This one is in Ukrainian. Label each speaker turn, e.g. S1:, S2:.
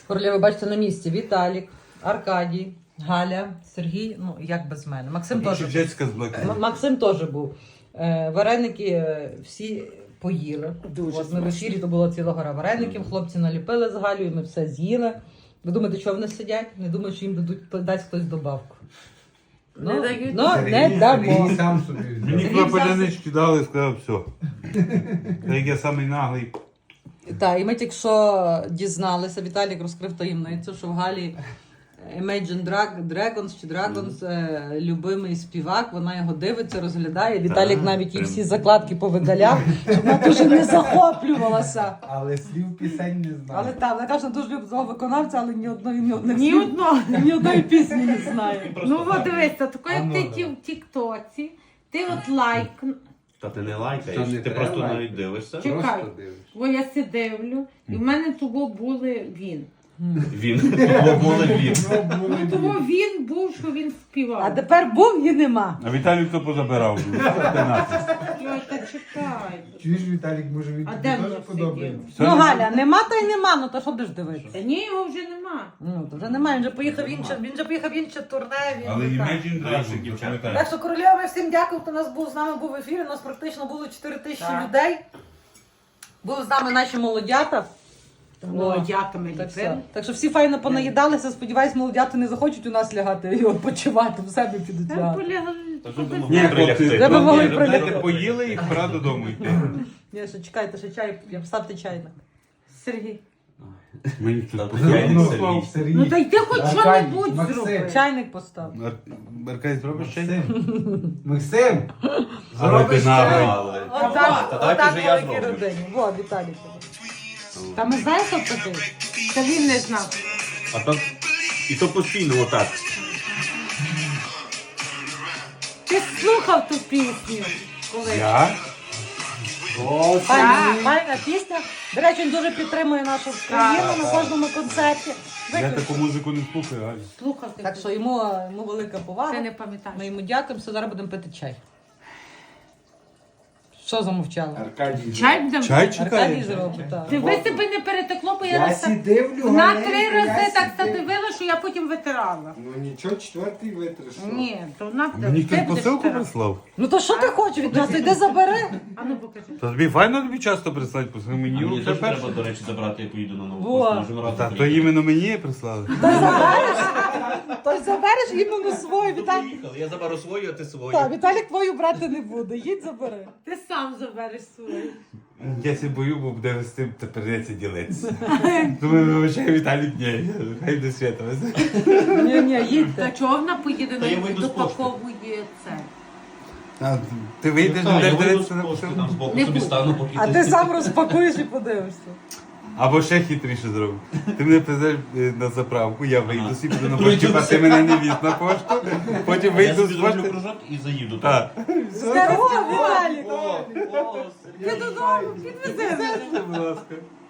S1: Королеви, бачите, на місці. Віталік, Аркадій, Галя, Сергій, ну як без мене. Максим теж був. Максим теж був. Вареники всі поїли.
S2: Дуже
S1: От ми в ефірі, то було ціла гора вареників, хлопці наліпили з Галею, ми все з'їли. Ви думаєте, що вони сидять? Не думаю, що їм дасть хтось добавку.
S2: Не дають.
S1: Не дамо.
S3: Сам собі.
S4: Мені клапалянички дали і сказав, все. Та як я самий наглий.
S1: Так, і ми тільки що дізналися, Віталік розкрив таємницю, що в Галі Imagine Dragons чи Dragons любимий співак, вона його дивиться, розглядає. Віталік навіть їй всі закладки повидаляв, щоб вона дуже не захоплювалася.
S3: Але слів пісень не знаю.
S1: Але так, вона каже, що дуже любить свого виконавця, але ні одної пісні не знає.
S2: Ну от дивися, такою
S3: А ну,
S2: ти
S3: давай.
S2: в тіктоці, ти от лайк.
S5: Та ти не
S3: Та
S5: лайкаєш,
S3: не
S5: ти
S3: треба
S5: просто
S3: лайкати.
S5: навіть дивишся.
S2: Чекай.
S3: Просто дивишся.
S2: Бо я си дивлю, і в мене того були він.
S5: Він. Були він.
S2: Ну того він був, що він співав.
S1: А тепер був і нема.
S4: А Віталій хто позабирав?
S2: Ой, та чекай.
S3: Чуєш, Віталік, може він
S2: А
S3: тобі
S2: де
S3: теж
S2: воно
S3: подобається?
S1: Ну, Галя, нема та й нема, ну то що будеш дивитися?
S2: Та ні, його вже нема.
S1: Ну, то вже немає, він же поїхав в інше турне.
S4: Але
S1: так.
S4: Imagine
S5: Наші
S4: Dragons,
S5: дівчата.
S4: пам'ятаєш?
S1: Так що, королева, ми всім дякуємо, хто нас був, з нами був в ефірі, у нас практично було 4 тисячі
S2: Так.
S1: людей. Були з нами наші молодята.
S2: Молодяками
S1: Так, все.
S2: ліпили.
S1: Так що всі файно понаїдалися, сподіваюсь, молодята не захочуть у нас лягати і відпочивати, в себе підуть
S2: Та
S1: лягати.
S2: полягали.
S5: Та що ви
S4: Ні,
S5: могли
S4: хлопці,
S5: прилягти?
S1: Треба могли
S4: ні,
S1: прилягти.
S4: дайте поїли і пора додому йти.
S1: Ні, ще чекайте, ще чай, я вставте чайник.
S2: Сергій.
S4: Мені
S5: Та
S4: тут
S5: я
S3: Ну,
S5: Сергій.
S3: Слав, Сергій.
S2: Ну та й ти хоч
S3: Аркадій,
S2: що-небудь
S3: Максим.
S2: зроби.
S1: Чайник постав.
S4: Аркадій, зробиш чай?
S3: Максим!
S4: Але
S3: Зробиш
S4: ти наглий.
S3: чай?
S5: Але.
S1: Отак,
S5: Та давайте
S1: отак
S5: вже я
S1: великій
S5: зроблю.
S1: родині. Во, Віталій.
S2: Та ми знаєш, хто такий? Та він не знав.
S5: А то і то постійно отак.
S2: Ти слухав ту пісню колись?
S4: Я?
S3: О,
S1: Файна пісня. До речі, він дуже підтримує нашу країну на кожному концерті.
S4: Я таку музику не слухаю, Галя.
S2: Слухав ти.
S1: Так що йому велика повага.
S2: Ти не пам'ятаєш.
S1: Ми йому дякуємо, все, зараз будемо пити чай. Що замовчали?
S3: Аркадій.
S2: Чай будемо?
S4: Чай
S1: Аркадій
S4: чекає?
S1: зробить, так.
S2: Ти ви себе не перетекло, бо я
S3: Я
S2: раз
S3: сі дивлю,
S2: на
S3: Галенько,
S2: 3
S3: я
S2: рази так
S3: сі
S2: задивила, що я потім витирала.
S3: Ну нічого, четвертий витриш.
S2: Ні, то на
S4: Мені
S2: ти
S4: хтось
S2: будеш
S4: посилку
S2: витирати.
S4: прислав?
S1: Ну то що ти хочеш від нас? Іди забери.
S2: А ну покажи.
S4: Та тобі файно тобі часто прислати посилку? Мені
S5: Мені
S4: вже
S5: теж
S4: перше.
S5: треба, до речі, забрати, я поїду на нову
S1: Во.
S5: пошту. Можемо разом
S4: Та то
S5: приїхати.
S4: іменно мені прислали.
S1: Тож забереш іменно свою. Віталік.
S5: Поїхали, я заберу свою, а ти свою.
S1: Так, Віталік твою брати не буде. Їдь забери.
S2: Ти сам забереш свою.
S4: Я ся бою, бо буде з тим та придеться ділитися. Думаю, вибачай, Віталік, ні, хай до свята.
S1: Ні,
S2: Та
S1: їдьте.
S2: чого вона поїде
S5: Та я
S2: на
S5: вийду з пошти.
S2: допаковує це?
S4: А, ти вийдеш,
S5: Так, я
S4: будеш
S5: вийду
S4: дивитися
S5: з
S4: на
S5: пошти,
S4: посилку?
S5: там збоку
S2: Не
S5: собі
S2: буду.
S5: стану, поки
S1: А ти сам розпакуєш і подивишся.
S4: Або ще хитріше зроби. Ти мене привезеш на заправку, я вийду собі, буду на пошті, а ти мене не віз на пошту, потім
S5: Я
S4: вийду
S5: собі
S4: з
S5: зроблю
S4: пошти.
S5: кружок і заїду.
S4: Так.
S1: Здорово, Віталік!
S5: О,
S1: Ти додому підвези мене.
S4: Будь ласка.